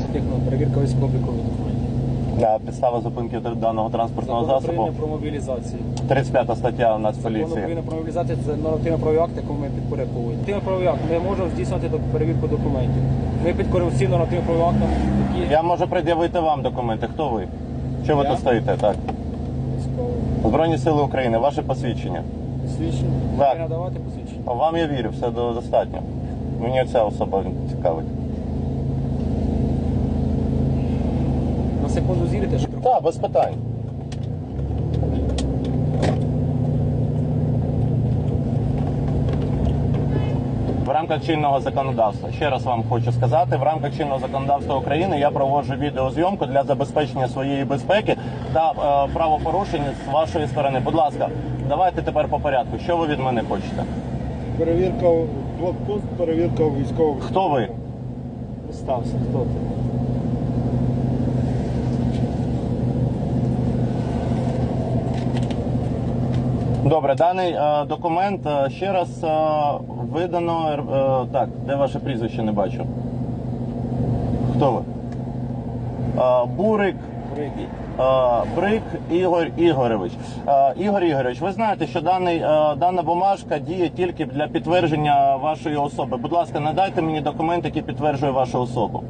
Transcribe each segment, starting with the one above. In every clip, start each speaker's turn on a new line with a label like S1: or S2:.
S1: техно, перевірка військово-облікових документів.
S2: Підстава зупинки даного транспортного
S1: Закон
S2: засобу.
S1: України про мобілізацію.
S2: 35 стаття
S1: Закон
S2: Нацполіції.
S1: України про мобілізацію – це нормативно-правовий акт, якому ми підпорядковуємо. Нормативно-правовий акт, ми можемо здійснювати перевірку документів. Ми підкоримо всім нормативно-правовим актам, які...
S2: Я можу пред'явити вам документи. Хто ви? Що ви
S1: Я?
S2: тут стоїте? Так.
S1: Військово.
S2: Збройні сили України, ваше посвідчення.
S1: Посвідчення.
S2: Так.
S1: Ви надавати посвідчення.
S2: Вам я вірю, все достатньо. Мені ця особа цікавить.
S1: На секунду зірите, що...
S2: Так, без питань. В рамках чинного законодавства, ще раз вам хочу сказати, в рамках чинного законодавства України я проводжу відеозйомку для забезпечення своєї безпеки та правопорушень з вашої сторони. Будь ласка, давайте тепер по порядку. Що ви від мене хочете?
S3: Перевірка блокпост, перевірка військових.
S2: Хто ви?
S1: Представся, хто ти?
S2: Добре, даний документ ще раз видано. Так, де ваше прізвище, не бачу. Хто ви? Бурик. Брик Ігор Ігорович. Ігор Ігорович, ви знаєте, що дана бумажка діє тільки для підтвердження вашої особи. Будь ласка, надайте мені документ, який підтверджує вашу особу.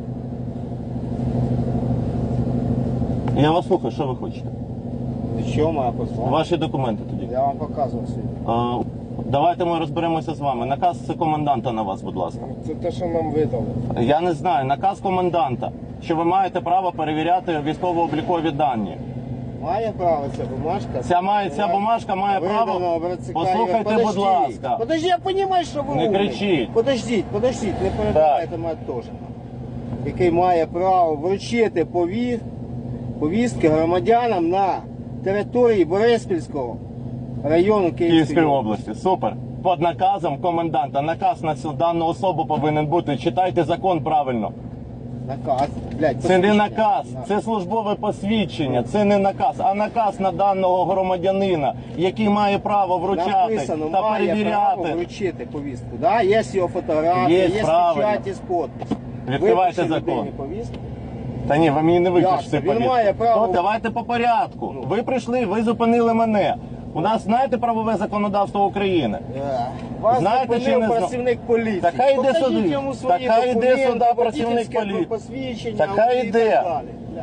S2: Я вас слухаю, що ви хочете?
S3: Що моя послуга?
S2: Ваші документи тоді.
S3: Я вам показував сьогодні.
S2: Давайте ми розберемося з вами. Наказ коменданта на вас, будь ласка.
S3: Це те, що нам видали.
S2: Я не знаю. Наказ коменданта, що ви маєте право перевіряти військово-облікові дані.
S3: Має право ця бумажка?
S2: Ця бумажка має право. Послухайте, будь ласка.
S3: Подожди, я розумію, що ви
S2: Не
S3: умний.
S2: кричіть.
S3: Подождіть, не перебивайте мене теж. Який має право вручити повістки громадянам на території Бориспільського району
S2: Київської області. Супер. Під наказом коменданта. Наказ на цю дану особу повинен бути. Читайте закон правильно.
S3: Наказ. Блядь,
S2: Це не
S3: посвідчення.
S2: наказ, це службове посвідчення, це не наказ, а наказ на даного громадянина, який має право вручати
S3: Написано,
S2: та
S3: має право
S2: перевіряти.
S3: вручити повістку. Да? Є його фотографія,
S2: Є,
S3: є
S2: правильно.
S3: печаті з підписом.
S2: Відкривайте
S3: Випиши
S2: закон.
S3: людині повістку.
S2: Та ні, ви мені не випишете
S3: Ясно, він має право.
S2: То давайте по порядку. Ви прийшли, ви зупинили мене. У нас, знаєте, правове законодавство України?
S3: Вас
S2: Знаєте, чи
S3: зупинив
S2: не зна-
S3: працівник поліції.
S2: Та хай йде
S3: Покажіть
S2: сюди.
S3: йому свої
S2: Та хай йде
S3: документи,
S2: сюди працівник
S3: водительське
S2: поліції.
S3: посвідчення,
S2: Та хай
S3: і так
S2: йде.
S3: далі. Блядь.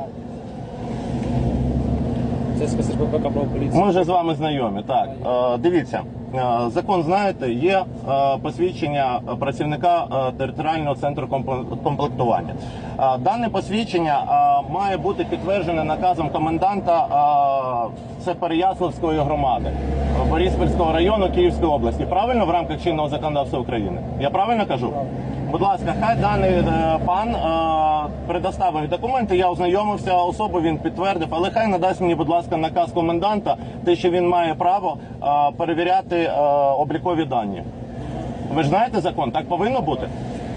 S1: Це спецслужба ПК про поліцію.
S2: Ми вже з вами знайомі. Так, дивіться, закон знаєте, є посвідчення працівника територіального центру комплектування. Дане посвідчення має бути підтверджене наказом коменданта це Переяславської громади Бориспільського району Київської області. Правильно в рамках чинного законодавства України? Я правильно кажу? Будь ласка, хай даний пан предоставив документи, я ознайомився, особу він підтвердив, але хай надасть мені, будь ласка, наказ коменданта, те, що він має право перевіряти облікові дані. Ви ж знаєте закон, так повинно бути?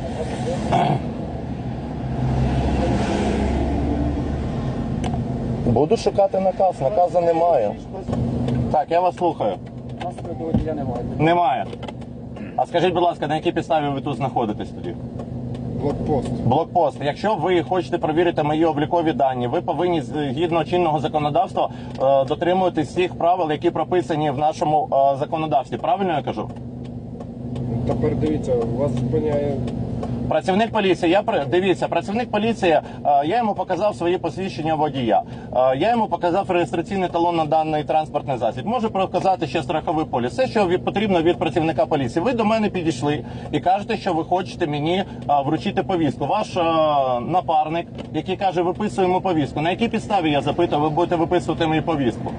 S2: Буду шукати наказ, наказу немає. Так, я вас слухаю.
S1: У нас такого водія немає.
S2: Немає. А скажіть, будь ласка, на якій підставі ви тут знаходитесь тоді?
S3: Блокпост.
S2: Блокпост. Якщо ви хочете перевірити мої облікові дані, ви повинні згідно чинного законодавства дотримуватись всіх правил, які прописані в нашому законодавстві. Правильно я кажу?
S3: Тепер дивіться, вас зупиняє...
S2: Працівник поліції, дивіться, працівник поліції, я йому показав свої посвідчення водія. Я йому показав реєстраційний талон на даний транспортний засіб. Можу показати ще страховий поліс. Все, що потрібно від працівника поліції. Ви до мене підійшли і кажете, що ви хочете мені вручити повістку. Ваш напарник, який каже, виписуємо повістку. На якій підставі, я запитую, ви будете виписувати мені повістку?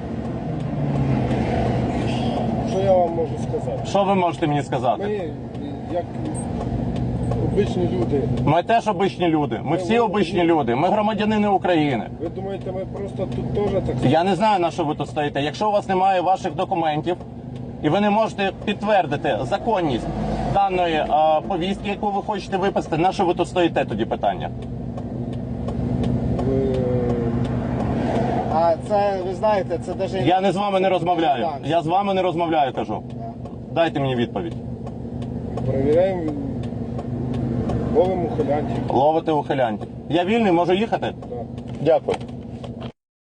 S3: Що я вам можу сказати?
S2: Що ви можете мені сказати?
S3: Ми, як обичні люди,
S2: Ми теж обичні люди. Ми всі обичні люди. Ми громадянини України.
S3: ви думаєте, ми просто тут теж так...
S2: Я не знаю, на що ви тут стоїте. Якщо у вас немає ваших документів, і ви не можете підтвердити законність даної повістки, яку ви хочете виписати, на що ви тут стоїте, тоді питання?
S3: А це, ви знаєте, це навіть...
S2: Я не з вами не розмовляю. Я з вами не розмовляю, кажу. Дайте мені відповідь.
S3: Перевіряємо Ловимо ухилянтів.
S2: Ловите ухилянтів. Я вільний, можу їхати?
S3: Так.
S2: Дякую.